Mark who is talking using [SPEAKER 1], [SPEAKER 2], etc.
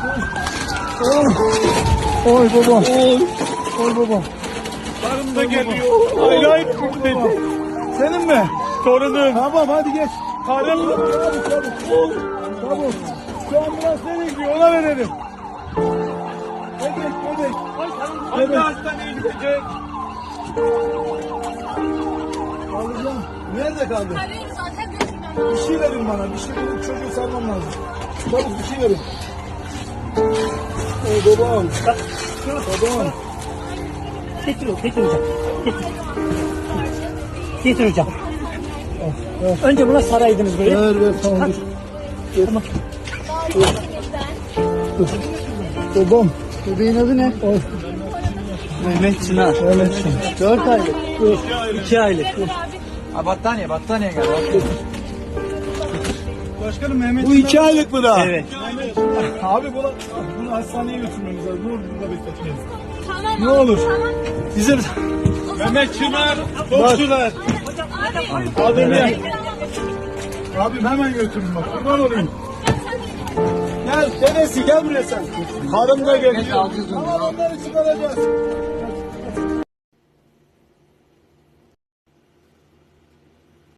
[SPEAKER 1] Oy babam. Oy babam.
[SPEAKER 2] Karım da geliyor. Hayır dedi.
[SPEAKER 1] Senin mi?
[SPEAKER 2] Torunum.
[SPEAKER 1] Tamam hadi geç.
[SPEAKER 2] Karım.
[SPEAKER 1] Çabuk. Şu ambulans nereye gidiyor ona verelim. Bebek.
[SPEAKER 2] Hangi hastaneye gidecek?
[SPEAKER 1] Alacağım. Nerede kaldı?
[SPEAKER 3] Arıyoruz zaten götürmem.
[SPEAKER 1] Bir şey verin bana. Bir şey verin. Çocuğu sarmam lazım. Çabuk bir şey verin. Oy babam. Babam.
[SPEAKER 4] Getir hocam. Getir hocam. Önce buna saraydınız böyle.
[SPEAKER 1] Ver tamam dur.
[SPEAKER 4] Tamam.
[SPEAKER 1] Babam. Bebeğin adı ne? Oy.
[SPEAKER 4] Mehmet Çınar.
[SPEAKER 1] Mehmet Çınar. 4 aylık.
[SPEAKER 4] 2 aylık.
[SPEAKER 5] Ha battaniye gel.
[SPEAKER 2] Başkanım Mehmet.
[SPEAKER 1] Bu 2 aylık mı daha?
[SPEAKER 4] Evet.
[SPEAKER 1] Abi bunu hastaneye götürmemiz lazım. Ne olur burada bekletmeyiz.
[SPEAKER 3] Tamam
[SPEAKER 1] Ne
[SPEAKER 3] abi,
[SPEAKER 1] olur.
[SPEAKER 3] Tamam.
[SPEAKER 1] Bizim
[SPEAKER 2] Mehmet Çınar. Topçular.
[SPEAKER 3] Abi.
[SPEAKER 1] adını yap. Abim hemen götürün bak. Kurban olayım. Gel dedesi gel buraya sen. Karım da geliyor. Tamam onları çıkaracağız.